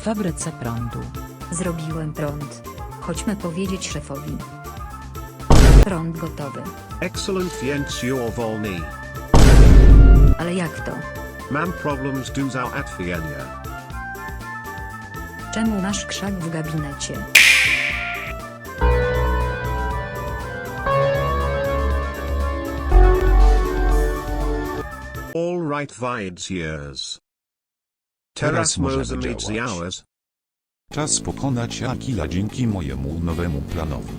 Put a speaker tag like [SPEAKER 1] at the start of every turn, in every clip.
[SPEAKER 1] fabryce prądu.
[SPEAKER 2] Zrobiłem prąd. Chodźmy powiedzieć szefowi. Prąd gotowy.
[SPEAKER 3] Excellent więc you're wolny.
[SPEAKER 2] Ale jak to?
[SPEAKER 3] Mam problems do załatwienia.
[SPEAKER 2] Czemu masz krzak w gabinecie?
[SPEAKER 3] All right więc years.
[SPEAKER 4] Teraz
[SPEAKER 3] Teraz
[SPEAKER 4] możemy
[SPEAKER 3] możemy mieć
[SPEAKER 4] działać.
[SPEAKER 3] hours.
[SPEAKER 4] Czas pokonać Akila dzięki mojemu nowemu planowi.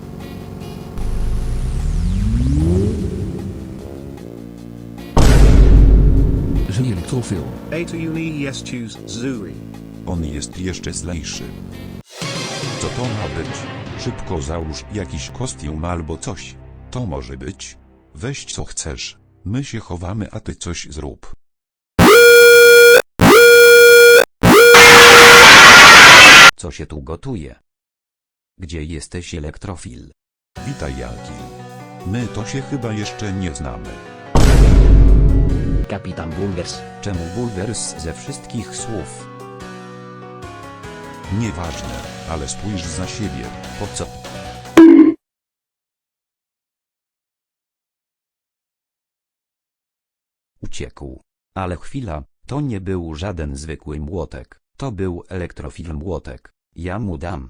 [SPEAKER 5] Żyje elektrofil.
[SPEAKER 3] A to uni jest choose Zuri.
[SPEAKER 4] On jest jeszcze zlejszy. Co to ma być? Szybko załóż jakiś kostium albo coś. To może być. Weź co chcesz. My się chowamy, a ty coś zrób.
[SPEAKER 6] Co się tu gotuje? Gdzie jesteś, elektrofil?
[SPEAKER 4] Witaj, Akil. My to się chyba jeszcze nie znamy.
[SPEAKER 5] Kapitan Bulwers.
[SPEAKER 6] Czemu bulwers ze wszystkich słów?
[SPEAKER 4] Nieważne, ale spójrz za siebie.
[SPEAKER 6] Po co? Uciekł. Ale chwila, to nie był żaden zwykły młotek, to był elektrofil młotek. Ja mu dam.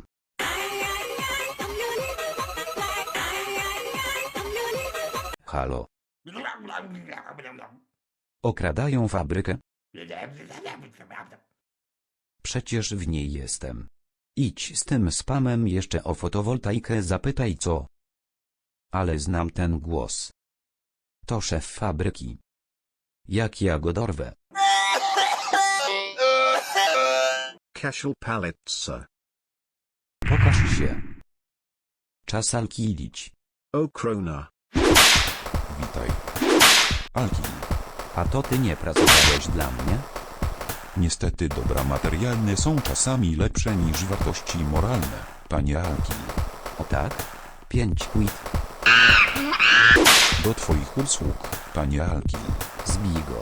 [SPEAKER 6] Halo. Okradają fabrykę? Przecież w niej jestem. Idź z tym spamem jeszcze o fotowoltaikę zapytaj co. Ale znam ten głos. To szef fabryki. Jak ja go dorwę?
[SPEAKER 3] Casual pallets.
[SPEAKER 6] Pokaż się. Czas alkilić.
[SPEAKER 3] O krona.
[SPEAKER 4] Witaj. Akil.
[SPEAKER 6] A to ty nie pracowałeś dla mnie?
[SPEAKER 4] Niestety dobra materialne są czasami lepsze niż wartości moralne, panie Akil.
[SPEAKER 6] O tak? 5 quid.
[SPEAKER 4] Do twoich usług, panie Akil.
[SPEAKER 6] Zbij go.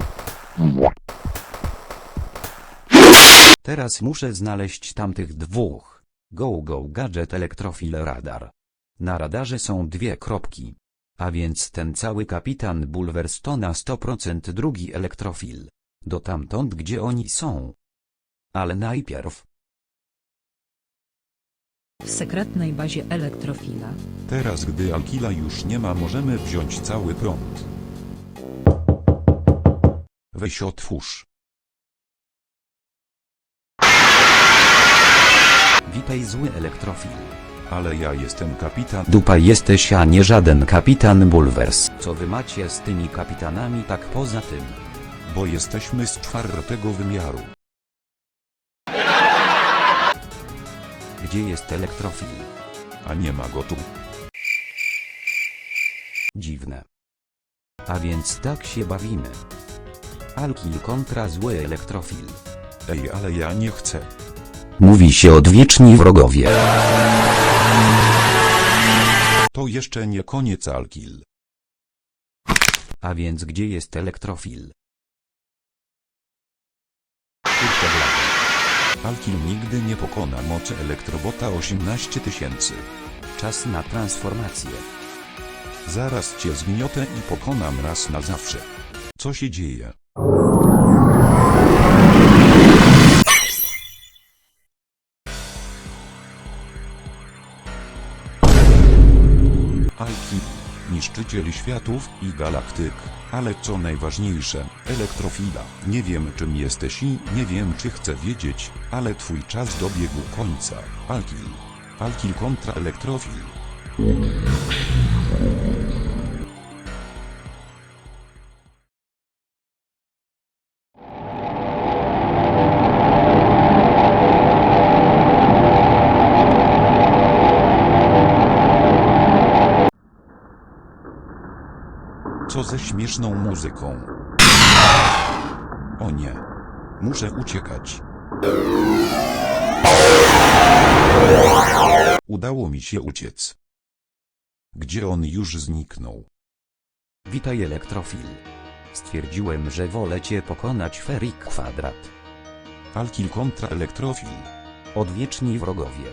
[SPEAKER 6] Teraz muszę znaleźć tamtych dwóch. Go gadżet elektrofil radar. Na radarze są dwie kropki. A więc ten cały kapitan Bulwers to na 100% drugi elektrofil. Do tamtąd gdzie oni są. Ale najpierw.
[SPEAKER 1] W sekretnej bazie elektrofila.
[SPEAKER 4] Teraz gdy Akila już nie ma, możemy wziąć cały prąd. Weź otwórz.
[SPEAKER 6] Witaj zły elektrofil.
[SPEAKER 4] Ale ja jestem kapitan.
[SPEAKER 6] Dupa jesteś, a nie żaden kapitan Bulwers. Co wy macie z tymi kapitanami tak poza tym?
[SPEAKER 4] Bo jesteśmy z czwartego wymiaru.
[SPEAKER 6] Gdzie jest elektrofil?
[SPEAKER 4] A nie ma go tu.
[SPEAKER 6] Dziwne. A więc tak się bawimy. Alkil kontra zły elektrofil.
[SPEAKER 4] Ej, ale ja nie chcę.
[SPEAKER 6] Mówi się odwieczni wrogowie.
[SPEAKER 4] To jeszcze nie koniec, Akil.
[SPEAKER 6] A więc gdzie jest elektrofil? Kurczę blady.
[SPEAKER 4] Akil nigdy nie pokona mocy elektrobota 18 000.
[SPEAKER 6] Czas na transformację.
[SPEAKER 4] Zaraz cię zgniotę i pokonam raz na zawsze. Co się dzieje? Akil, niszczyciel światów i galaktyk, ale co najważniejsze, elektrofila. Nie wiem czym jesteś i nie wiem czy chcę wiedzieć, ale twój czas dobiegł końca. Akil. Akil kontra elektrofil. Co ze śmieszną muzyką? O nie. Muszę uciekać. Udało mi się uciec. Gdzie on już zniknął?
[SPEAKER 6] Witaj elektrofil. Stwierdziłem, że wolę cię pokonać Ferik Kwadrat.
[SPEAKER 4] Alkil kontra elektrofil.
[SPEAKER 6] Odwieczni wrogowie.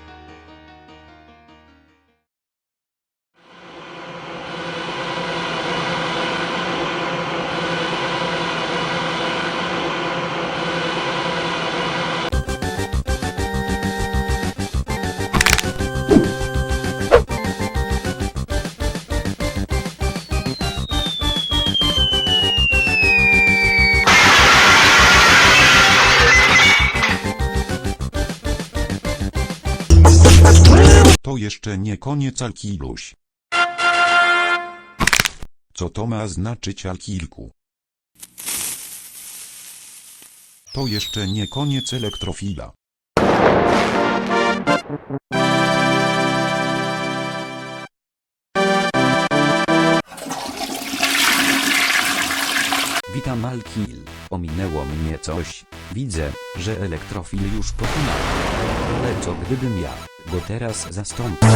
[SPEAKER 4] To jeszcze nie koniec Alkiluś. Co to ma znaczyć Alkilku? To jeszcze nie koniec elektrofila.
[SPEAKER 6] Witam Alkil. Ominęło mnie coś. Widzę, że elektrofil już pokonał. Ale co gdybym ja go teraz zastąpił?